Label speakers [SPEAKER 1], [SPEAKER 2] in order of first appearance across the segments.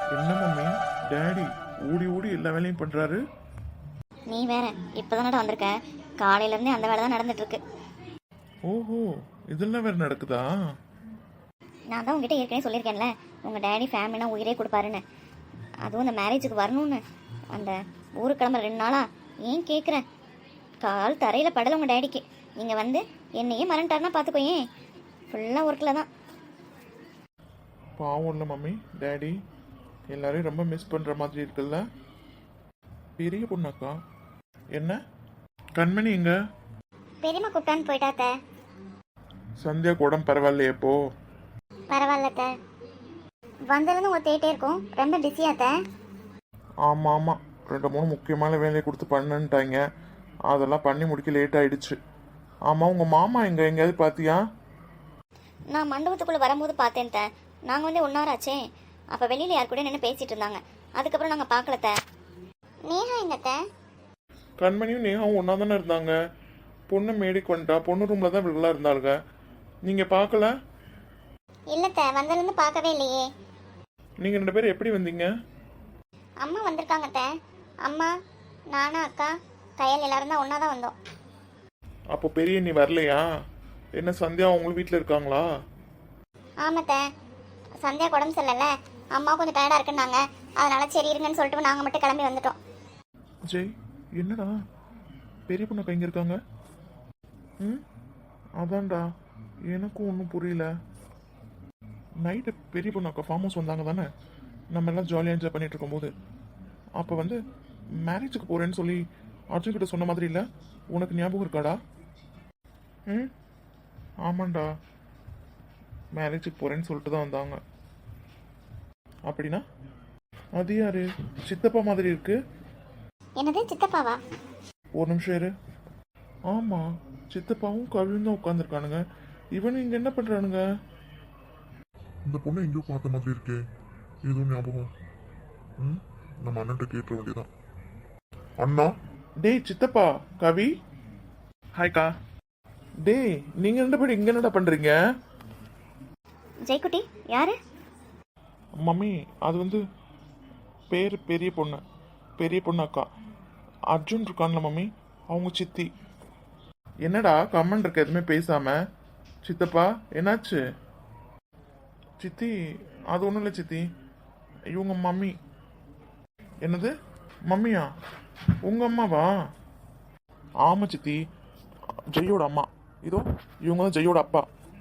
[SPEAKER 1] என்ன mummy, daddy ஓடி ஓடி எல்லா வேலையும் பண்றாரு.
[SPEAKER 2] நீ வேற இப்போதானடா வந்திருக்க. காலையிலேருந்தே அந்த வேலை தான் நடந்துட்டு இருக்கு.
[SPEAKER 1] ஓஹோ, இதெல்லாம் வேற நடக்குதா?
[SPEAKER 2] நான் தான் உங்ககிட்ட ஏற்கனவே சொல்லியிருக்கேன்ல, உங்கள் டேடி ஃபேமிலினா உயிரே கொடுப்பாருன்னு. அதுவும் இந்த மேரேஜுக்கு வரணும்னு அந்த ஊருக்கு கிளம்புற 2 நாளா ஏன் கேட்குறேன். கால் தரையில் படலை உங்கள் டேடிக்கு. நீங்கள் வந்து என்னையே மறந்துட்டாருன்னா பார்த்துக்கோயேன். ஃபுல்லாக ஒர்க்கில் தான்.
[SPEAKER 1] பாவம் இல்லை மம்மி, டேடி எல்லாரையும் ரொம்ப மிஸ் பண்ற மாதிரி இருக்குல்ல. பெரிய பொண்ணாக்கா என்ன? கண்மணி எங்க?
[SPEAKER 2] பெரியம்மா கூப்பிட்டான்னு போயிட்டாத்த.
[SPEAKER 1] சந்தியா கூட பரவாயில்லையே இப்போ?
[SPEAKER 2] பரவாயில்லத்த. வந்ததுன்னு ஒரு தேட்டே இருக்கும். ரொம்ப பிஸியாத்த.
[SPEAKER 1] ஆமாம் ஆமாம், 2-3 முக்கியமான வேலையை கொடுத்து பண்ணுன்ட்டாங்க. அதெல்லாம் பண்ணி முடிக்க லேட் ஆயிடுச்சு. ஆமாம், உங்கள் மாமா எங்கேயாவது பார்த்தியா?
[SPEAKER 2] நான் மண்டபத்துக்குள்ளே வரும்போது பார்த்தேன் த. நாங்கள் வந்து 1 hour ஆச்சே. அப்போ வெளியில் யார் கூட நின்று பேசிகிட்டு இருந்தாங்க. அதுக்கப்புறம் நாங்கள் பார்க்கலத்த. நேஹா எங்கத்த?
[SPEAKER 1] கண்மணியும் நேகாவும் ஒன்றா தானே இருந்தாங்க. பொண்ணு மேடிக்கு வந்துட்டா. பொண்ணு ரூமில் தான் இவங்களா இருந்தாளுங்க. நீங்கள் பார்க்கல?
[SPEAKER 2] இல்லத்த, வந்ததுலேருந்து பார்க்கவே இல்லையே.
[SPEAKER 1] நீங்கள் 2 பேரும் எப்படி வந்தீங்க?
[SPEAKER 2] அம்மா வந்திருக்காங்கத்த. அம்மா, நானும் அக்கா, கையல் எல்லாரும் தான் ஒன்றா தான் வந்தோம்.
[SPEAKER 1] அப்போ பெரிய நீ வரலையா? என்ன சந்தியா அவங்களும் வீட்டில் இருக்காங்களா?
[SPEAKER 2] ஆமாத்த, சந்தியா உடம்பு சரியில்லைல்ல, அம்மா கொஞ்சம் டயர்டாக இருக்குன்னாங்க. அதனால சரி இருங்கன்னு சொல்லிட்டு நாங்கள் மட்டும் கிளம்பி வந்துட்டோம்.
[SPEAKER 1] ஜெய், என்னடா பெரிய பொண்ணு எங்கே இருக்காங்க? ம், அதான்டா எனக்கும் ஒன்றும் புரியல. நைட்டு பெரிய பொண்ணு அக்கா ஃபார்ம் ஹவுஸ் வந்தாங்க தானே, நம்ம எல்லாம் ஜாலியாக என்ஜாய் பண்ணிட்டு இருக்கும்போது. அப்போ வந்து மேரேஜுக்கு போகிறேன்னு சொல்லி அர்ஜுன் கிட்ட சொன்ன மாதிரி இல்லை? உனக்கு ஞாபகம் இருக்காடா? ம், ஆமாண்டா, மேரேஜுக்கு போகிறேன்னு சொல்லிட்டு தான் வந்தாங்க. அப்படின்னா அது யாரு? சித்தப்பா மாதிரி இருக்கு.
[SPEAKER 2] என்னது சித்தப்பாவா?
[SPEAKER 1] ஒரு நிமிஷம் இரு. ஆமாம், சித்தப்பாவும் கவியும் தான் உட்காந்துருக்கானுங்க. இவனு இங்கே என்ன பண்ணுறானுங்க?
[SPEAKER 3] இந்த பொண்ணை எங்கேயோ பார்த்த மாதிரி இருக்கே, ஏதோ ஞாபகம். நம்ம அண்ணன்ட்ட கேட்ட வேண்டியதான். அண்ணா.
[SPEAKER 1] டேய் சித்தப்பா, கவி. ஹாய்க்கா. டேய், நீங்கள் 2 பேரும் இங்கே என்னடா பண்ணுறீங்க?
[SPEAKER 2] ஜெய்குட்டி யாரு?
[SPEAKER 1] மம்மி, அது வந்து பேர் பெரிய பொண்ணு. பெரிய பொண்ணு அக்கா. அர்ஜுன் இருக்கான்ல மம்மி, அவங்க சித்தி. என்னடா கம்மன் இருக்க எதுவுமே பேசாம? சித்தப்பா என்னாச்சு? சித்தி, அது ஒன்றும் இல்லை சித்தி, இவங்க மம்மி. என்னது மம்மியா? உங்கள் அம்மாவா? ஆமாம் சித்தி, ஜெய்யோட அம்மா. இதோ இவங்க தான் ஜெய்யோட அப்பா.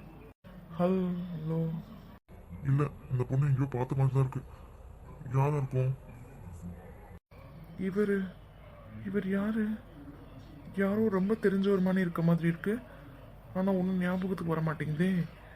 [SPEAKER 1] ஹலோ.
[SPEAKER 3] இல்ல, இந்த பொண்ணை எங்கேயோ பார்த்த மாதிரி தான் இருக்கு. யாரா இருக்கும்?
[SPEAKER 1] இவர் யாரு? யாரோ ரொம்ப தெரிஞ்ச ஒரு மாதிரி இருக்க மாதிரி இருக்கு. ஆனால் ஒன்றும் ஞாபகத்துக்கு வர மாட்டேங்குதே.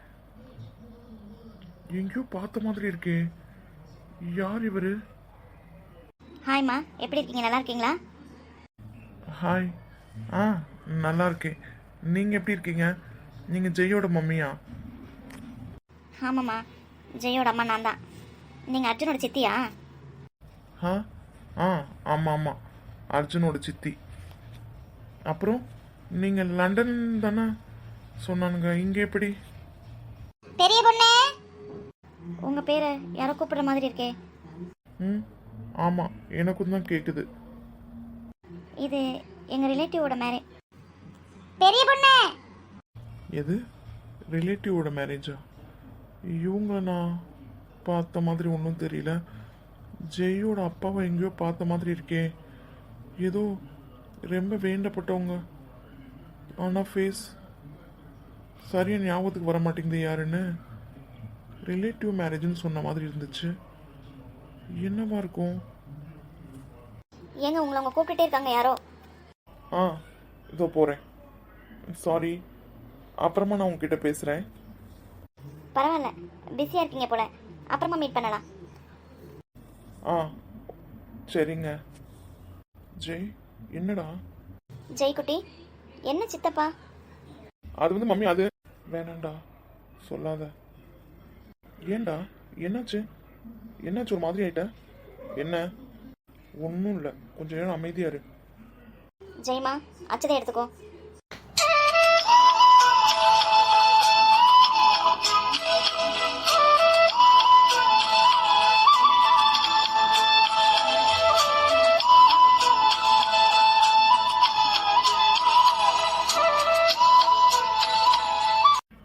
[SPEAKER 1] எங்கேயோ பார்த்த மாதிரி இருக்கே. யார் இவர்?
[SPEAKER 2] ஹாய்மா, எப்படி இருக்கீங்க? நல்லா இருக்கீங்களா?
[SPEAKER 1] ஹாய். ஆ, நல்லா இருக்கேன். நீங்கள் எப்படி இருக்கீங்க? நீங்கள் ஜெய்யோட மம்மியா?
[SPEAKER 2] ஆமாம்மா, ஜெயோட அம்மா நான் தான். நீங்கள் அர்ஜுனோட சித்தியா?
[SPEAKER 1] ஆ ஆ ஆமாம் ஆமாம், அர்ஜுனோட சித்தி. அப்புறம் நீங்கள் லண்டன் தானே சொன்னானுங்க, இங்கே எப்படி?
[SPEAKER 2] பெரிய பொண்ணே, உங்கள் பேர் யாரோ கூப்பிடுற மாதிரி இருக்கே.
[SPEAKER 1] ம், ஆமாம், எனக்கும் தான் கேட்குது.
[SPEAKER 2] இது எங்கள் ரிலேட்டிவோட மேரேஜ். பெரிய பொண்ணே.
[SPEAKER 1] எது? ரிலேட்டிவோட மேரேஜா? இவங்கள நான் பார்த்த மாதிரி ஒன்றும் தெரியல. ஜெய்யோட அப்பாவை எங்கேயோ பார்த்த மாதிரி இருக்கே. ஏதோ ரொம்ப வேண்டப்பட்டவங்க, ஆனால் ஃபேஸ் சரியாக ஞாபகத்துக்கு வர மாட்டேங்குது யாருன்னு. ரிலேட்டிவ் மேரேஜ்னு சொன்ன மாதிரி இருந்துச்சு. என்னவா இருக்கும்?
[SPEAKER 2] ஏங்க உங்களை அவங்க கூப்பிட்டுட்டே இருக்காங்க யாரோ.
[SPEAKER 1] ஆ, இதோ போகிறேன். சாரி, அப்புறமா நான் உங்ககிட்ட பேசுகிறேன்.
[SPEAKER 2] பரவாயில்ல, பிஸியாக இருக்கீங்க போல, அப்புறமா மீட் பண்ணலாம்.
[SPEAKER 1] ஆ சரிங்க. ஜெய், என்னடா?
[SPEAKER 2] ஜெய்குட்டி, என்ன சித்தப்பா?
[SPEAKER 1] அது வந்து மம்மி, அது வேணாண்டா, சொல்லாத. ஏண்டா, என்னாச்சு? என்னாச்சு ஒரு மாதிரி ஆயிட்ட? என்ன? ஒன்றும் இல்லை, கொஞ்சம் நேரம் அமைதியா இரு.
[SPEAKER 2] ஜெய்மா, அச்சதை எடுத்துக்கோ.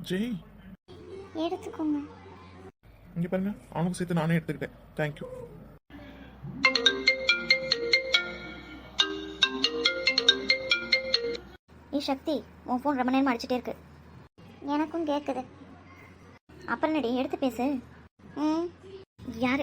[SPEAKER 1] ஜெய்
[SPEAKER 2] எடுத்துக்கோங்க.
[SPEAKER 1] இங்கே பாருங்க, அவனுக்கு சேர்த்து நானே எடுத்துக்கிட்டேன். தேங்க்யூ.
[SPEAKER 2] சக்தி, உன் ஃபோன் ரொம்ப நேரமாக அடிச்சுட்டே இருக்கு. எனக்கும் கேட்குது. அப்புறம் என்னடி, எடுத்து பேசு. ம், யாரு?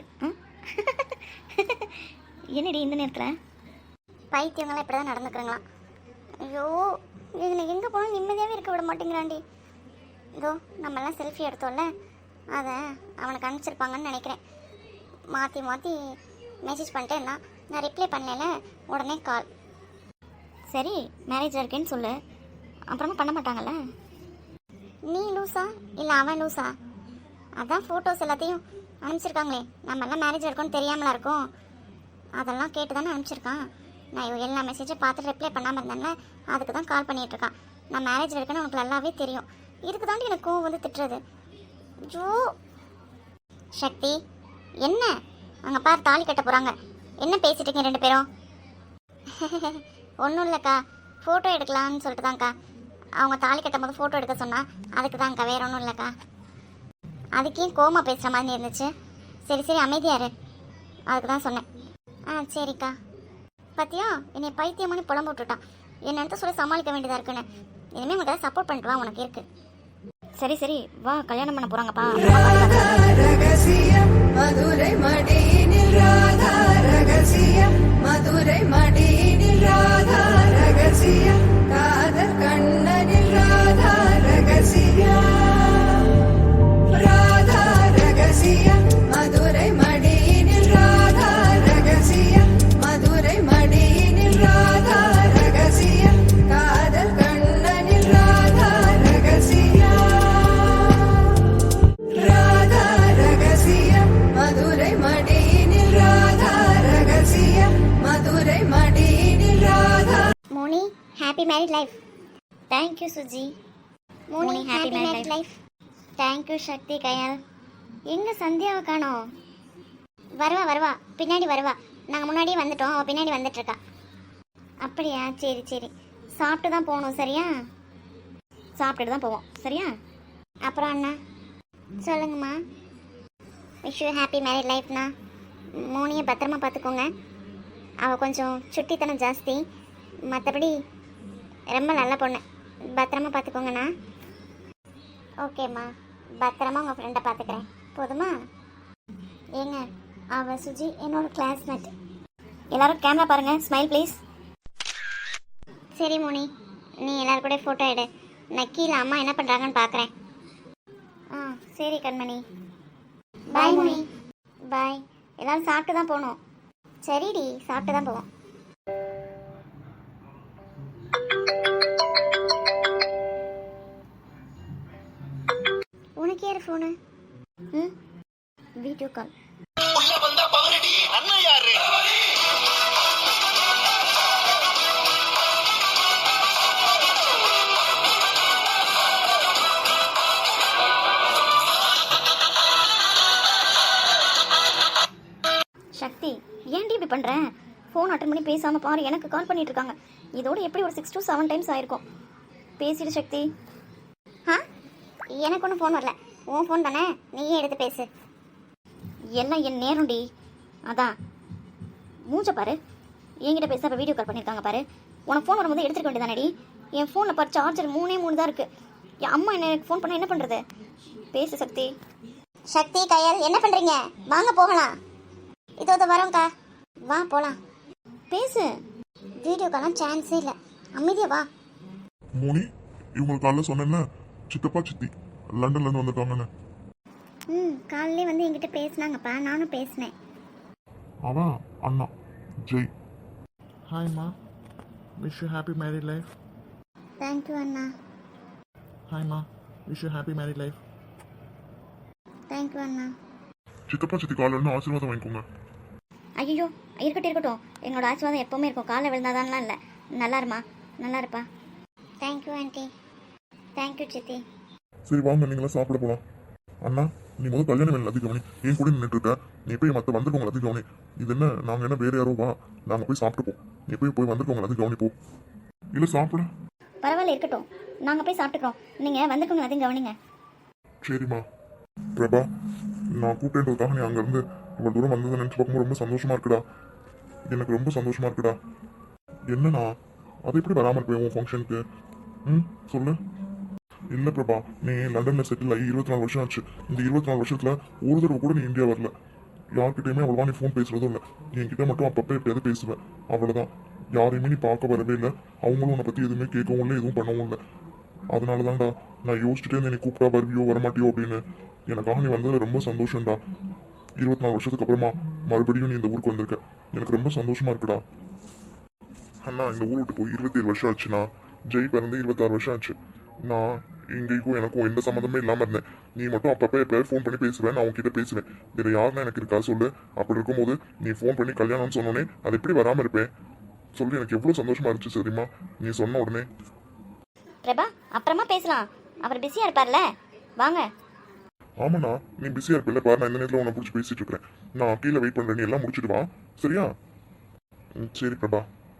[SPEAKER 2] என்னடி இந்த நேரத்தில்? பைத்தியங்களாம் இப்படி தான் நடந்துக்கிறீங்களா? ஐயோ, இதில் எங்கே போனாலும் நிம்மதியாகவே இருக்க விட மாட்டேங்கிறாண்டி. இதோ நம்மெல்லாம் செல்ஃபி எடுத்தோம்ல, அதை அவனுக்கு அனுப்பிச்சிருப்பாங்கன்னு நினைக்கிறேன். மாற்றி மாற்றி மெசேஜ் பண்ணிட்டே இருந்தான். நான் ரிப்ளை பண்ணல, உடனே கால். சரி, மேரேஜ் இருக்கேன்னு சொல்லு, அப்புறமா பண்ண மாட்டாங்கல்ல. நீ லூஸா இல்லை அவன் லூஸா? அதான் ஃபோட்டோஸ் எல்லாத்தையும் அனுப்பிச்சிருக்காங்களே, நம்மெல்லாம் மேரேஜ் இருக்கோன்னு தெரியாமலா இருக்கும். அதெல்லாம் கேட்டு தானே அனுப்பிச்சிருக்கான். நான் எல்லா மெசேஜும் பார்த்துட்டு ரிப்ளை பண்ணாமல் இருந்தேன்ல, அதுக்கு தான் கால் பண்ணிகிட்டு இருக்கான். நான் மேரேஜ் இருக்கேன்னு உனக்கு நல்லாவே தெரியும். இதுக்கு தாண்டி எனக்கு கோவம் வந்து திட்டுறது. ஜோ சக்தி, என்ன அங்கே பார், தாலி கட்ட போகிறாங்க. என்ன பேசிட்டு இருக்கீங்க ரெண்டு பேரும்? ஒன்றும் இல்லைக்கா, ஃபோட்டோ எடுக்கலான்னு சொல்லிட்டு தான்க்கா. அவங்க தாலி கட்டும் போது ஃபோட்டோ எடுக்க சொன்னா, அதுக்கு தான்க்கா, வேற ஒன்றும் இல்லைக்கா. அதுக்கே கோமா பேசுகிற மாதிரி இருந்துச்சு. சரி சரி, அமைதியாரு, அதுக்கு தான் சொன்னேன். ஆ சரிக்கா. பார்த்தியா, என்னை பைத்தியமான புலம்பு விட்டுட்டான். என்னென்னு சொல்லி சமாளிக்க வேண்டியதாக இருக்குன்னு. இனிமேல் உனக்கு சப்போர்ட் பண்ணிட்டு வா, உனக்கு இருக்கு. சரி சரி, வா, கல்யாணம் பண்ண போகிறாங்கப்பா. மதுரை மடியினில் ராதா ரகசியம், மதுரை மடியினில் ராதா ரகசியம், காதல் கண்ணனில் ராதா ரகசியம், ராதா ரகசியம், மதுரை மடியினில் ராதா ரகசியம், மதுரை மடியினில் ராதா ரகசியம், காதல் கண்ணனில் ராதா ரகசியம், ராதா ரகசியம், மதுரை மடியினில் ராதா ரகசியம், மதுரை மடியினில் Radha. Moni, happy married life. Thank you Suji. Moni, happy married life. Thank you Sakthi. Kayal, எங்கே சந்தியாவை காணோம்? வருவா வருவா, பின்னாடி வருவா. நாங்கள் முன்னாடியே வந்துட்டோம், அவள் பின்னாடி வந்துட்டுருக்கா. அப்படியா? சரி சரி, சாப்பிட்டு தான் போகணும். சரியா? சாப்பிட்டுட்டு தான் போவோம். சரியா? அப்புறம் அண்ணா சொல்லுங்கம்மா. விஷ் யூ ஹாப்பி மேரிட் லைஃப்ண்ணா. மோனியை பத்திரமா பார்த்துக்கோங்க. அவள் கொஞ்சம் சுட்டித்தனம் ஜாஸ்தி, மற்றபடி ரொம்ப நல்ல பொண்ணு. பத்திரமா பார்த்துக்கோங்கண்ணா. ஓகேம்மா, பத்திரமா உங்கள் ஃப்ரெண்டை பார்த்துக்கிறேன். போதுமா? ஏங்க, அவள் சுஜி என்னோட கிளாஸ்மேட். எல்லாரும் கேமரா பாருங்கள். Smile please. சரி மோனி, நீ எல்லாரும் கூட ஃபோட்டோ எடு. நான் கீழே அம்மா என்ன பண்ணுறாங்கன்னு பார்க்குறேன். ஆ சரி கண்மணி. பாய் மோனி. பாய். எல்லாரும் சாப்பிட்டு தான் போகணும். சரிடி, சாப்பிட்டு தான் போவோம். உனக்கு யார் ஃபோனு? ம், வீடியோ கால். சக்தி, ஏன்டி இப்படி பண்ணுறேன்? ஃபோன் அட்டன் பண்ணி பேசாமல் பாரு, எனக்கு கால் பண்ணிட்டு இருக்காங்க. இதோட எப்படி ஒரு 6 to 7 டைம்ஸ் ஆயிருக்கும். பேசிடு சக்தி. ஆ, எனக்கு ஒன்றும் ஃபோன் வரல. உன் ஃபோன் தானே, நீயே எடுத்து பேசு. எல்லாம் என் நேரம்டி. அதான் மூஞ்ச பாரு, என்கிட்ட பேச அப்போ வீடியோ கால் பண்ணியிருக்காங்க பாரு. உனக்கு ஃபோன் வரும்போது எடுத்துக்க வேண்டியதானடி. என் ஃபோனில் பாரு, சார்ஜர் 3 தான் இருக்குது. என் அம்மா எனக்கு ஃபோன் பண்ணால் என்ன பண்ணுறது? பேசு சக்தி. சக்தி, கையால் என்ன பண்ணுறீங்க? வாங்க போகலாம். இதோ வரோங்க்கா, வா போகலாம். பேசு. வீடியோ காலாம் சான்ஸே இல்லை. அமைதியா வா.
[SPEAKER 3] மோனி, இவங்க காலைல சொன்னேன்ல, சித்தப்பா சித்தி லண்டன்லேருந்து வந்திருக்காங்கன்னு.
[SPEAKER 2] ம், காலையிலே வந்து என்கிட்ட பேசினாங்கப்பா, நானும் பேசினேன்.
[SPEAKER 3] அவன் அண்ணா ஜெய்.
[SPEAKER 1] ஹாய்மா, wish you happy married life.
[SPEAKER 2] Thank you அண்ணா.
[SPEAKER 1] ஹாய்மா, wish you happy married life.
[SPEAKER 2] Thank you அண்ணா.
[SPEAKER 3] சித்தப்பா சித்தி காலைல ஆசீர்வாதம் வாங்கிக்கோங்க.
[SPEAKER 2] ஐயோ, இருக்கட்டும் இருக்கட்டும், எங்களோட ஆசீர்வாதம் எப்போவுமே இருக்கும். காலை விழுந்தாதான்லாம் இல்லை. நல்லா இருமா, நல்லா இருப்பா. Thank you aunty. தேங்க்யூ சித்தி.
[SPEAKER 3] சரி வாங்க, நீங்களாம் சாப்பிட போகலாம். அண்ணா, நீ முதல் கல்யாணம் வேலை எல்லாத்தையும் கவனி. ஏன் கூட நின்றுட்டு இருக்க, நீ போய் மற்ற வந்திருக்கவங்க எல்லாத்தையும் கவனி. இது என்ன, நாங்கள் என்ன வேறு யாரோ? வா, நாங்கள் போய் சாப்பிட்டுப்போம். நீ போய் வந்திருக்கவங்க எல்லாத்தையும் கவனிப்போம். இல்லை சாப்பிட
[SPEAKER 2] பரவாயில்ல, இருக்கட்டும், நாங்கள் போய் சாப்பிட்டுக்கிறோம். நீங்கள் வந்திருக்கவங்க எல்லாத்தையும் கவனிங்க.
[SPEAKER 3] சரிம்மா. பிரபா, நான் கூப்பிட்டேன்றதுக்காக நீ அங்கேருந்து இவ்வளோ தூரம் வந்ததை நினச்சி பார்க்கும்போது ரொம்ப சந்தோஷமா இருக்குடா. எனக்கு ரொம்ப சந்தோஷமா இருக்குடா. என்னண்ணா, அது எப்படி வராமல் இருப்பேன் உன் ஃபங்க்ஷனுக்கு? ம், சொல்லு. இல்லை பிரபா, நீ லண்டனில் செட்டில் ஆகி 24 வருஷம் ஆச்சு. இந்த 24 வருஷத்தில் ஒரு தடவை கூட நீ இந்தியா வரல. யார்கிட்டயுமே அவ்வளோவா நீ ஃபோன் பேசுறதும் இல்லை. என்கிட்ட மட்டும் அப்பப்போ எப்பயாவது பேசுவேன், அவ்வளோதான். யாரையுமே நீ பார்க்க வரவே இல்லை. அவங்களும் உன்னை பற்றி எதுவுமே கேட்கவும் இல்லை, எதுவும் பண்ணவும் இல்லை. அதனால தான்டா நான் யோசிச்சுட்டே இருந்தேன், நீ கூப்பிட்டா வருவியோ வரமாட்டியோ அப்படின்னு. எனக்காக நீ வந்தது ரொம்ப சந்தோஷம்டா. 24 வருஷத்துக்கு அப்புறமா மறுபடியும் நீ இந்த ஊருக்கு வந்திருக்க, எனக்கு ரொம்ப சந்தோஷமா இருக்குடா. அண்ணா, இந்த ஊர் விட்டு போய் 27 வருஷம் ஆச்சுண்ணா. ஜெய் பிறந்து 26 வருஷம் ஆச்சு. நான் இங்கேயும் எனக்கும் எந்த சம்மந்தமே இல்லாமல் இருந்தேன். நீ மட்டும் அப்பப்போ எப்பயாவது ஃபோன் பண்ணி பேசுவேன், நான் உன்கிட்ட பேசுவேன். வேற யாருன்னா எனக்கு இருக்கா சொல்லு? அப்படி இருக்கும்போது நீ ஃபோன் பண்ணி கல்யாணம்னு சொன்னோடனே அது எப்படி வராமல் இருப்பேன் சொல்லி? எனக்கு எவ்வளோ சந்தோஷமா இருந்துச்சு தெரியுமா நீ சொன்ன உடனே.
[SPEAKER 2] பிரபா, அப்புறமா பேசலாம். அவர் பிஸியாக இருப்பார்ல, வாங்க.
[SPEAKER 3] ஆமாண்ணா, நீ பிஸியாக இருப்பில்ல பாரு, நான் இந்த நேரத்தில் உன்னை பிடிச்சி பேசிட்டு இருக்கிறேன். நான் கீழே வெயிட் பண்ணுறேன், நீ எல்லாம் முடிச்சுட்டு வா, சரியா? சரி பிரபா.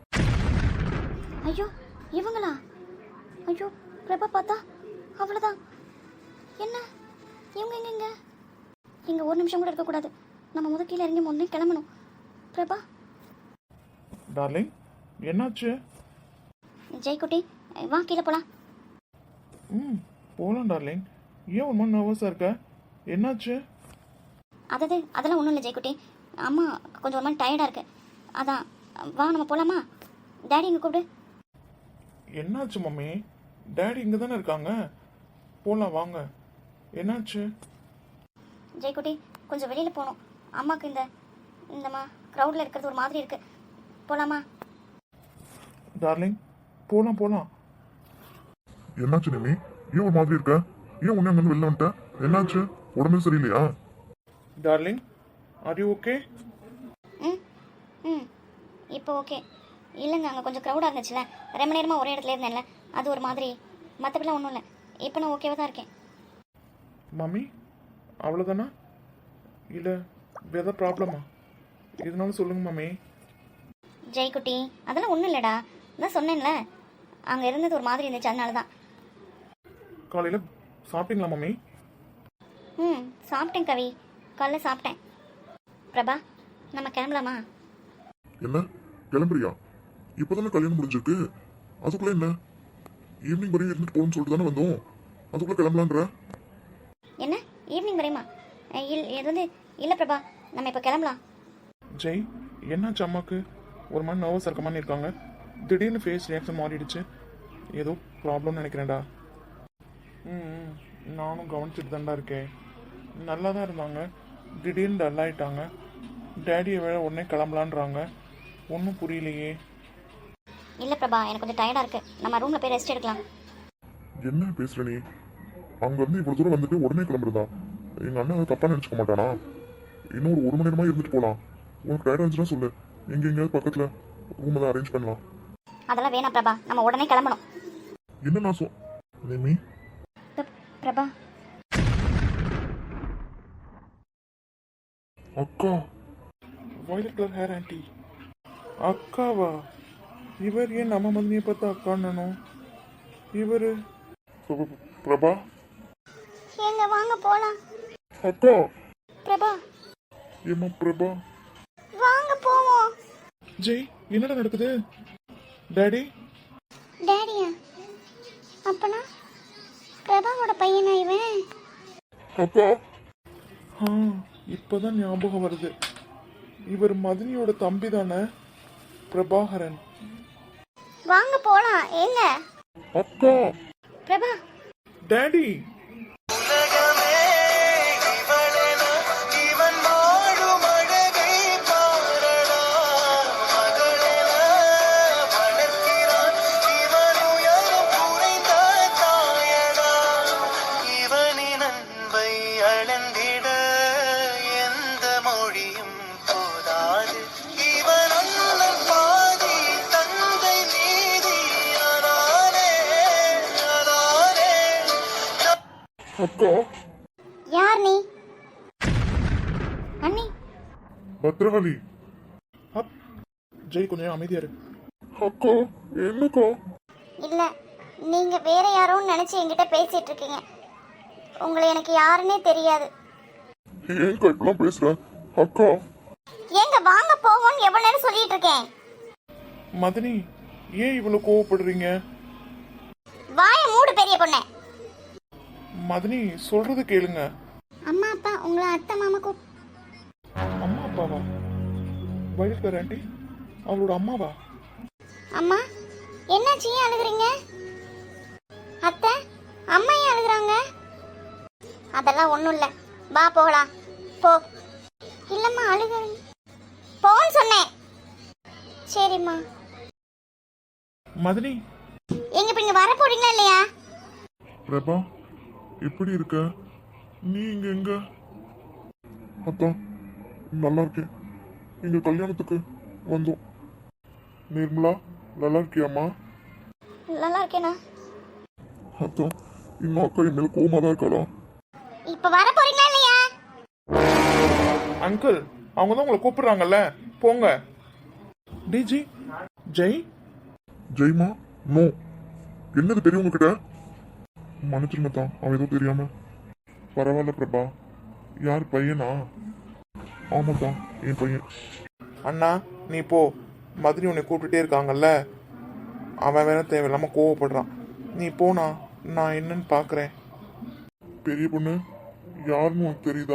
[SPEAKER 2] ஐயோ, இவங்களா? ஐயோ, பிரபா பார்த்தா அவ்வளோதான். என்ன இவங்க எங்க இங்கே ஒரு நிமிஷம் கூட இருக்கக்கூடாது. நம்ம முத கீழே இறங்கி முன்னே கிளம்பணும். பிரபா.
[SPEAKER 1] டார்லிங், என்னாச்சு?
[SPEAKER 2] ஜெய்குட்டி, வா கீழே போகலாம்.
[SPEAKER 1] ம், போகலாம் டார்லிங். ஏன் ஒரு மாதிரி நர்வஸாக இருக்க? என்னாச்சு?
[SPEAKER 2] அதெல்லாம் ஒன்றும் இல்லை ஜெய்குட்டி. அம்மா கொஞ்சம் ஒரு மாதிரி டயர்டாக இருக்கு, அதான். வா நம்ம போகலாமா? டேடி இங்கே கூப்பிடு.
[SPEAKER 1] என்னாச்சு மம்மி? டேடி இங்கே தானே இருக்காங்க, போகலாம் வாங்க. என்னாச்சு?
[SPEAKER 2] ஜெய்குட்டி, கொஞ்சம் வெளியில் போகணும். அம்மாவுக்கு இந்தம்மா க்ரௌடில் இருக்கிறது ஒரு மாதிரி இருக்கு. போகலாமா?
[SPEAKER 1] டார்லிங், போகலாம் போகலாம்.
[SPEAKER 3] என்னாச்சு நிமி? ஏன் ஒரு மாதிரி இருக்க? ஏன் உன்னை அங்கேருந்து வெளில வந்துட்ட? என்னாச்சு? உடம்பு சரியில்லையா?
[SPEAKER 1] Darling, are you okay?
[SPEAKER 2] ம் ம் இப்போ ஓகே. இல்லைங்க, அங்கே கொஞ்சம் க்ரௌடாக இருந்துச்சுல, ரொம்ப நேரமாக ஒரே இடத்துல இருந்தேன்ல, அது ஒரு மாதிரி. மற்றபடிலாம் ஒன்றும் இல்லை, இப்போ நான் ஓகேவாக தான் இருக்கேன்.
[SPEAKER 1] மம்மி, அவ்வளோதானா? இல்லை வேறு ப்ராப்ளமா? எதுனாலும் சொல்லுங்க மம்மி.
[SPEAKER 2] ஜெய்குட்டி, அதெல்லாம் ஒன்றும் இல்லைடா, தான் சொன்னேன்ல, அங்கே இருந்தது ஒரு மாதிரி இருந்துச்சு, அதனால தான்.
[SPEAKER 1] காலையில் சாப்பிட்டீங்களா மம்மி?
[SPEAKER 2] ம், சாப்பிட்டேன் கவி, காலைல சாப்பிட்டேன். பிரபா, நம்ம கிளம்பலாமா?
[SPEAKER 3] என்ன, கிளம்புறியா? இப்போதானே கல்யாணம் முடிஞ்சிருக்கு, அதுக்குள்ள என்ன? ஈவினிங் வரையும் இருந்துட்டு போகணும்னு சொல்லிட்டு தானே வந்தோம், அதுக்குள்ள கிளம்பலான்ற?
[SPEAKER 2] என்ன ஈவினிங் வரையுமா? இல்லை பிரபா, நம்ம இப்போ கிளம்பலாம்.
[SPEAKER 1] ஜெய், என்னாச்சு அம்மாக்கு? ஒரு மாதிரி நர்வஸ் இருக்க மாதிரி இருக்காங்க. திடீர்னு ஃபேஸ் ரியாக்ஷன் மாறிடுச்சு. ஏதோ ப்ராப்ளம்னு நினைக்கிறேன்டா. ம், நானும் கவனிச்சுட்டு தான்டா இருக்கேன். நல்லா தான் இருந்தாங்க, திடீர்னு டல் ஆகிட்டாங்க. டேடியை வேற உடனே கிளம்பலான்றாங்க. ஒன்றும் புரியலையே.
[SPEAKER 2] இல்லை பிரபா, எனக்கு கொஞ்சம் டயர்டாக இருக்குது, நம்ம ரூமில் போய் ரெஸ்ட் எடுக்கலாம்.
[SPEAKER 3] என்ன பேசுற நீ? அங்கேருந்து இவ்வளோ தூரம் வந்துட்டு உடனே கிளம்புறதா? எங்கள் அண்ணன் தப்பாக நினச்சிக்க மாட்டானா? இன்னும் ஒரு மணி நேரமாக இருந்துட்டு போகலாம். உனக்கு டயர்டாக இருந்துச்சுன்னா சொல்லு, எங்கேயாவது பக்கத்தில் ரூம் தான் அரேஞ்ச் பண்ணலாம்.
[SPEAKER 2] அதெல்லாம் வேணாம் பிரபா, நம்ம உடனே கிளம்பணும்.
[SPEAKER 3] என்ன நான் நிமி?
[SPEAKER 2] பிரபா.
[SPEAKER 3] அக்கா,
[SPEAKER 1] வயலட் கலர் ஹேர் ஆண்டி. அக்காவா? இவர் ஏன் நம்ம மதினியை பார்த்து அக்கான்னு? இவர்
[SPEAKER 3] பிரபா.
[SPEAKER 2] எங்க வாங்க போலாம்.
[SPEAKER 3] அக்கா.
[SPEAKER 2] பிரபா.
[SPEAKER 3] ஏமா பிரபா?
[SPEAKER 2] வாங்க போவோம்.
[SPEAKER 1] ஜெய், என்னடா நடக்குது? டாடி?
[SPEAKER 2] டாடியா? அப்பனா பிரபாவோட பையனா இவன்?
[SPEAKER 3] அக்கா.
[SPEAKER 1] இப்போதான் ஞாபகம் வருது. இவர் மதினியோட தம்பி தானே, பிரபாகரன்.
[SPEAKER 2] வாங்க போலாம். ஏங்க
[SPEAKER 3] அக்கா.
[SPEAKER 2] பிரபா.
[SPEAKER 1] டாடி.
[SPEAKER 3] அக்கா.
[SPEAKER 2] யார் நீ? அண்ணி.
[SPEAKER 3] பத்ரகாளி.
[SPEAKER 1] ஜெய், கொஞ்சம் அமைதியா இரு.
[SPEAKER 3] அக்கா, என்னக்கா?
[SPEAKER 2] இல்ல, நீங்க வேற யாரோன்னு நினைச்சு என்கிட்ட பேசிட்டு இருக்கீங்க. உங்களை எனக்கு யாருன்னே தெரியாது.
[SPEAKER 3] ஏன்க்கா இப்பெல்லாம் பேசுற? அக்கா
[SPEAKER 2] ஏங்க வாங்க போவோம்னு எவ்வளவு நேரம் சொல்லிட்டு இருக்கேன்.
[SPEAKER 1] மதனி, ஏன் இவ்வளவு கோவப்படுறீங்க?
[SPEAKER 2] வாயை மூடு பெரிய பொண்ணே.
[SPEAKER 1] மதனி, சொல்றது கேளுங்க.
[SPEAKER 2] அம்மா அப்பா உங்களை அத்தை மாமா
[SPEAKER 1] அம்மா அப்பாவா? வயல்கார ஆண்டி அவளோட அம்மாவா?
[SPEAKER 2] அம்மா என்னாச்சு, ஏன் அழுகுறீங்க? அத்தை அம்மா ஏன் அழுகுறாங்க? அதெல்லாம் ஒன்றும் இல்லை, வா போகலாம். போ. இல்லைம்மா அழுகுறீங்க, போன்னு சொன்னேன். சரிம்மா.
[SPEAKER 1] மதனி,
[SPEAKER 2] எங்க இப்ப இங்க வர போறீங்களா இல்லையா?
[SPEAKER 3] பிரபா எப்படி இருக்க? நீ இங்க எங்க? அதான் நல்லா இருக்கேன். எங்க கல்யாணத்துக்கு வந்தோம். நிர்மலா நல்லா இருக்கியாம்மா?
[SPEAKER 2] நல்லா இருக்கேனா?
[SPEAKER 3] அதான் இன்னும் அக்கா என் மேல கோவமா தான் இருக்காளா?
[SPEAKER 2] இப்ப வர போறீங்களா இல்லையா?
[SPEAKER 1] அங்கிள் அவங்க தான் உங்களை கூப்பிடுறாங்கல்ல, போங்க. டிஜி ஜெய்.
[SPEAKER 3] ஜெய்மா நோ. என்னது பெரியவங்க கிட்ட? மன்னிச்சிருங்க தான், அவன் ஏதோ தெரியாம. பரவாயில்ல பிரபா. யார் பையனா? ஆமாதான் என் பையன்.
[SPEAKER 1] அண்ணா நீ போ, மதனி உன்னை கூப்பிட்டுட்டே இருக்காங்கல்ல, அவன் வேற தேவையில்லாம கோவப்படுறான். நீ போனா நான் என்னன்னு பாக்குறேன்.
[SPEAKER 3] பெரிய பொண்ணு யாருன்னு உனக்கு தெரியுதா?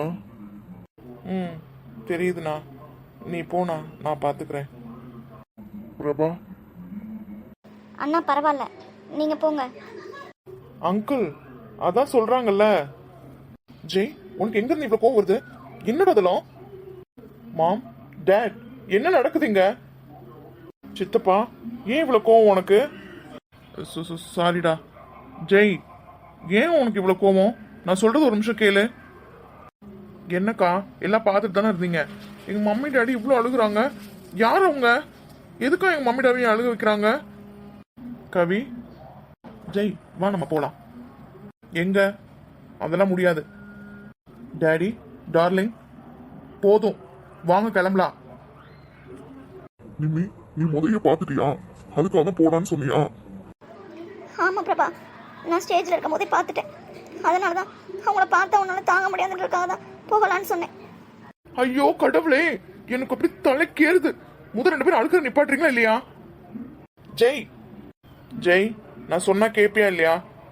[SPEAKER 1] ம் தெரியுதுண்ணா, நீ போனா நான் பாத்துக்கிறேன்.
[SPEAKER 3] பிரபா
[SPEAKER 2] அண்ணா பரவாயில்ல, நீங்க போங்க.
[SPEAKER 1] அங்கிள் அதான் சொல்றாங்கல்ல. ஜெய், உனக்கு எங்க இருந்து இவ்வளவு கோவம் வருது? என்னடா அதெல்லாம்? மாம், டேட், என்ன நடக்குதுங்க? சித்தப்பா, ஏன் இவ்வளவு கோவம் உனக்கு? சாரிடா. ஜெய், ஏன் உனக்கு இவ்வளவு கோவம்? நான் சொல்றது ஒரு நிமிஷம் கேளு. என்னக்கா எல்லாம் பார்த்துட்டு தானே இருந்தீங்க? எங்க மம்மி டாடி இவ்வளோ அழுகுறாங்க. யார் அவங்க? எதுக்கா எங்க மம்மி டாடியும் அழுக வைக்கிறாங்க? கவி, ஜெய், வா நம்ம போலாம். எங்க? அதெல்லாம் முடியாது. டாடி டார்லிங், போதும், வாங்க கிளம்பலாம்.
[SPEAKER 3] நிம்மி நீ முதல்ல பார்த்துட்டியா? அதுக்காக தான் போடான்னு சொன்னியா?
[SPEAKER 2] ஆமா பிரபா, நான் ஸ்டேஜ்ல இருக்கும் போதே பார்த்துட்டேன். அதனாலதான் அவங்கள பார்த்தா உன்னால தாங்க முடியாதுன்றதுக்காக தான் போகலான்னு சொன்னேன்.
[SPEAKER 1] ஐயோ கடவுளே, எனக்கு அப்படி தலைக்கேறுது. முதல் 2 பேரும் அழுக்கிற நிப்பாட்டுறீங்களா இல்லையா? ஜெய், ஜெய், நான் சொன்னா கேப்பியா இல்லையா?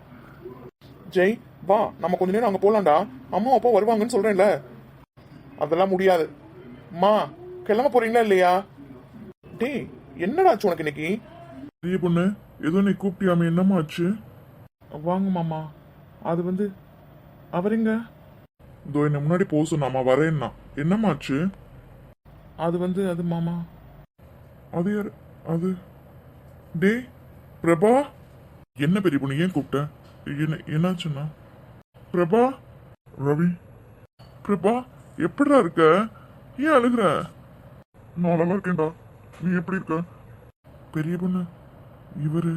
[SPEAKER 1] ஜெய், வா நம்ம கொஞ்ச நேரம் அங்க போலாம்டா. அம்மா அப்பா வருவாங்கன்னு சொல்றேன்ல. அதெல்லாம் முடியாது. அம்மா கிளம்ப போறீங்களா இல்லையா? டேய், என்னடாச்சு உனக்கு இன்னைக்கு?
[SPEAKER 3] பெரிய பொண்ணு ஏதோ நீ கூப்பிட்டியாமே, என்னம்மா ஆச்சு?
[SPEAKER 1] வாங்க மாமா. அது வந்து அவருங்க.
[SPEAKER 3] இதோ என்ன முன்னாடி போக சொன்னாமா, வரேன்னா. என்னம்மா ஆச்சு?
[SPEAKER 1] அது வந்து அது மாமா.
[SPEAKER 3] அது யாரு? அது டே பிரபா. என்ன பெரிய பொண்ணு ஏன் கூப்பிட்ட? என்னாச்சுன்னா? பிரபா. ரவி. பிரபா எப்படிடா இருக்க? ஏன் அழுகுற? நான் நல்லா இருக்கேன்டா, நீ எப்படி இருக்க? பெரிய பொண்ணு இவரு?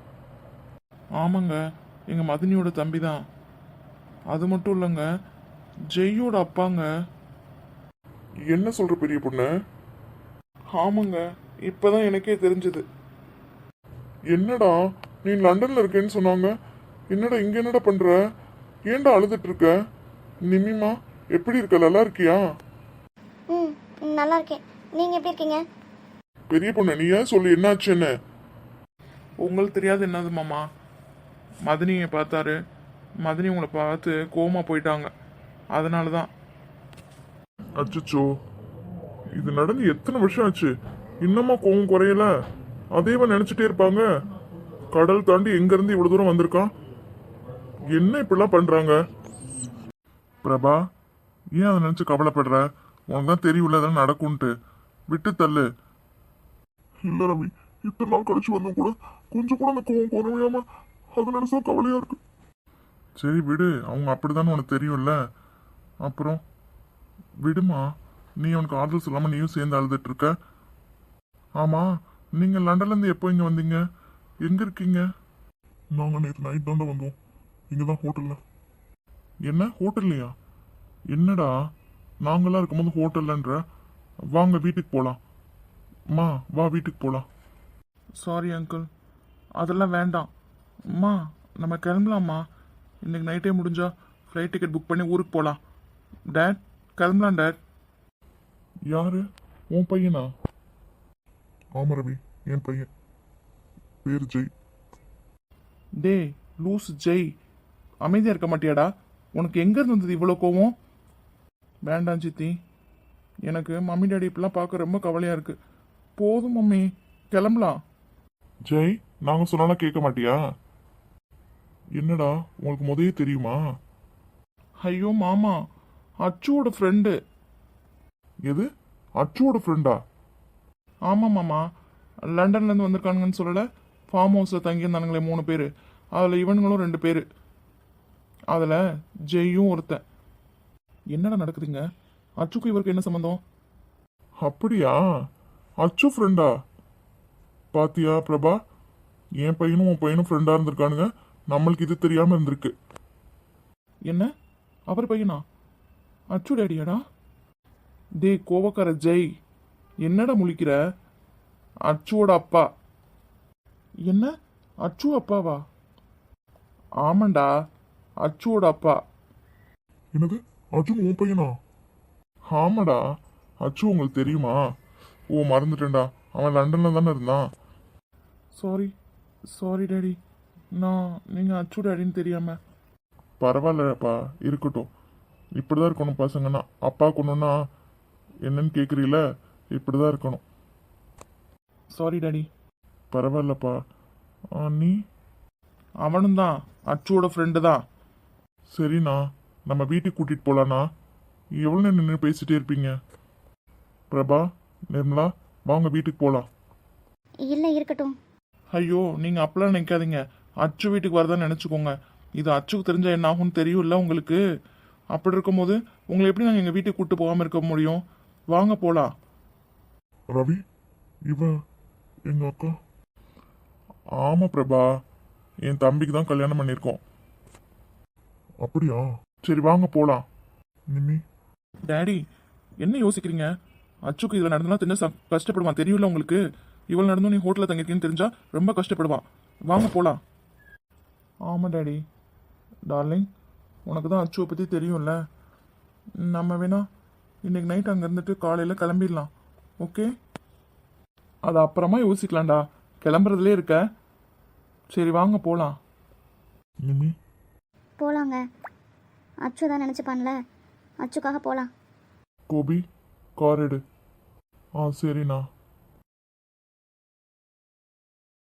[SPEAKER 1] ஆமாங்க, எங்க மதினியோட தம்பி தான். அது மட்டும் இல்லைங்க, ஜெய்யோட அப்பாங்க.
[SPEAKER 3] என்ன சொல்ற பெரிய பொண்ணு?
[SPEAKER 1] ஆமாங்க, இப்பதான் எனக்கே தெரிஞ்சது.
[SPEAKER 3] என்னடா நீ லண்டன்ல இருக்கேன்னு சொன்னாங்க, என்னடா இங்க என்னடா பண்ற? ஏன்டா அழுதுட்டு இருக்க? நிம்மிமா எப்படி இருக்க? நல்லா இருக்கியா?
[SPEAKER 2] ம் நல்லா இருக்கேன். நீங்க எப்படி இருக்கீங்க?
[SPEAKER 3] பெரிய பொண்ணு நீ ஏன் சொல்லு, என்னாச்சுன்னு?
[SPEAKER 1] உங்களுக்கு தெரியாது என்னது மாமா. மதினியை பார்த்தாரு, மதினி உங்களை பார்த்து கோவமா போயிட்டாங்க. அதனால தான்.
[SPEAKER 3] அச்சச்சோ, இது நடந்து எத்தனை வருஷம் ஆச்சு, இன்னமா கோவம் குறையல? அதேவா நினைச்சிட்டே இருப்பாங்க. கடல் தாண்டி எங்க இருந்து இவ்வளவு தூரம் வந்திருக்கான். என்ன இப்படிலாம் பண்றாங்க? பிரபா ஏன் அதை நினைச்சு கவலைப்படுற? உனக்கு தான் தெரியும்ல அதெல்லாம் நடக்கும்ட்டு. விட்டு தள்ளு. இல்ல ரவி, இத்தனை நாள் கழிச்சு வந்தும் கூட கொஞ்சம் கூட அந்த கோவம் குறையாம அது நினைச்சா கவலையா இருக்கு. சரி விடு, அவங்க அப்படிதானே உனக்கு தெரியும்ல. அப்புறம் விடுமா, நீ உனக்கு ஆறுதல் சொல்லாம நீயும் சேர்ந்து அழுதுட்டு இருக்க. ஆமா, நீங்க லண்டன்ல இருந்து எப்போ இங்க வந்தீங்க? எங்க இருக்கீங்க? நாங்க நேற்று நைட் தாண்டா வந்தோம். இங்கதான் ஹோட்டல்ல. என்ன ஹோட்டல்லையா? என்னடா நாங்களாம் இருக்கும்போது ஹோட்டல்லன்ற? வாங்க வீட்டுக்கு போலாம். அம்மா வா வீட்டுக்கு போலாம்.
[SPEAKER 1] சாரி அங்கிள், அதெல்லாம் வேண்டாம். அம்மா நம்ம கிளம்பலாம்மா. இன்னைக்கு நைட்டே முடிஞ்சா ஃப்ளைட் டிக்கெட் புக் பண்ணி ஊருக்கு போகலாம். டேட் கிளம்பலாம் டேட். யாரு? உன் பையனா?
[SPEAKER 3] ஆமா ரவி, என் பையன் பேர் ஜெய்.
[SPEAKER 1] டே லூஸ் ஜெய், அமைதியாக இருக்க மாட்டியாடா? உனக்கு எங்கேருந்து வந்தது இவ்வளோ கோவம்? வேண்டாம் சித்தி, எனக்கு மம்மி டாடி இப்பெல்லாம் பார்க்க ரொம்ப கவலையாக இருக்கு. போதும் மம்மி, கிளம்பலாம். ஜெய், நாங்கள் சொன்னாலும் கேட்க மாட்டியா? என்னடா உங்களுக்கு முதலே தெரியுமா? ஐயோ மாமா, அச்சுவோட ஃப்ரெண்டு. எது? அச்சுவோட ஃப்ரெண்டா? ஆமாம் மாமா, லண்டன்லேருந்து வந்திருக்கானுங்கன்னு சொல்லலை? ஃபார்ம் ஹவுஸில் தங்கியிருந்தானுங்களே 3 பேர், அதில் இவனுங்களும் 2 பேர், அதில் ஜெய்யும் ஒருத்தன். என்னடா நடக்குதுங்க? அச்சுக்கு இவருக்கு என்ன சம்மந்தம்? அப்படியா? அச்சு ஃப்ரெண்டா? பாத்தியா பிரபா, என் பையனும் உன் பையனும் ஃப்ரெண்டாக இருந்திருக்கானுங்க, நம்மளுக்கு இது தெரியாமல் இருந்திருக்கு. என்ன அவர் பையனா? அச்சு டேடியாடா? டே கோவக்கார ஜெய், என்னடா முழிக்கிற? அச்சுவோட அப்பா. என்ன, அச்சு அப்பாவா? ஆமாண்டா, அச்சுவோட அப்பா.
[SPEAKER 3] என்னது, அர்ஜுன் உன் பையனா?
[SPEAKER 1] ஆமாடா, அச்சு உங்களுக்கு தெரியுமா? ஓ மறந்துட்டேன்டா, அவன் லண்டனில் தானே இருந்தான். சாரி சாரி டேடி, நீங்கள் அச்சு டேடின்னு தெரியாமல். பரவாயில்லப்பா, இருக்கட்டும். இப்படி தான் இருக்கணும் பசங்கன்னா. அப்பா கொண்டுன்னா என்னன்னு கேட்குறீல, இப்படி தான் இருக்கணும். Sorry daddy. பரவாயில்லப்பா. நீ? அவனும் தான் அச்சுவோட ஃப்ரெண்டு தான். சரிண்ணா, நம்ம வீட்டுக்கு கூட்டிகிட்டு போகலாண்ணா. எவ்வளோ நேரம் நின்று பேசிட்டே இருப்பீங்க? பிரபா, நிர்மலா, வாங்க வீட்டுக்கு போகலாம்.
[SPEAKER 2] இல்லை இருக்கட்டும்.
[SPEAKER 1] ஐயோ, நீங்கள் அப்பெல்லாம் நினைக்காதீங்க. அச்சு வீட்டுக்கு வரதான்னு நினச்சிக்கோங்க. இது அச்சுக்கு தெரிஞ்சால் என்ன ஆகும்னு தெரியும்ல உங்களுக்கு. அப்படி இருக்கும்போது உங்களை எப்படி நாங்கள் எங்கள் வீட்டுக்கு கூப்பிட்டு போகாமல் இருக்க முடியும்? வாங்க போகலாம்.
[SPEAKER 3] ரவி, இவன் எங்க அக்கா.
[SPEAKER 1] ஆமாம் பிரபா, என் தம்பிக்கு தான் கல்யாணம் பண்ணியிருக்கோம்.
[SPEAKER 3] அப்படியா?
[SPEAKER 1] சரி வாங்க போகலாம்.
[SPEAKER 3] நிம்மி,
[SPEAKER 1] டேடி, என்ன யோசிக்கிறீங்க? அச்சுக்கு இதில் நடந்தா தெரிஞ்சா கஷ்டப்படுவான், தெரியும்ல உங்களுக்கு. இவ்வளோ நடந்தும் நீ ஹோட்டலில் தங்கியிருக்கீன்னு தெரிஞ்சா ரொம்ப கஷ்டப்படுவான். வாங்க போகலாம். ஆமாம் டேடி. டார்லிங், உனக்கு தான் அச்சுவை பற்றி தெரியும்ல. நம்ம வேணா இன்னைக்கு நைட் அங்கே இருந்துட்டு காலையில் கிளம்பிடலாம். ஓகே? அது அப்புறமா யோசிக்கலாம்டா, கிளம்புறதுலே இருக்க. சரி வாங்க போகலாம்.
[SPEAKER 3] நிம்மி,
[SPEAKER 2] போகலாங்க, அச்சு தான் நினச்சிப்பான்ல, அச்சுக்காக போகலாம்.
[SPEAKER 1] கோபி, கார் எடு. சரிண்ணா.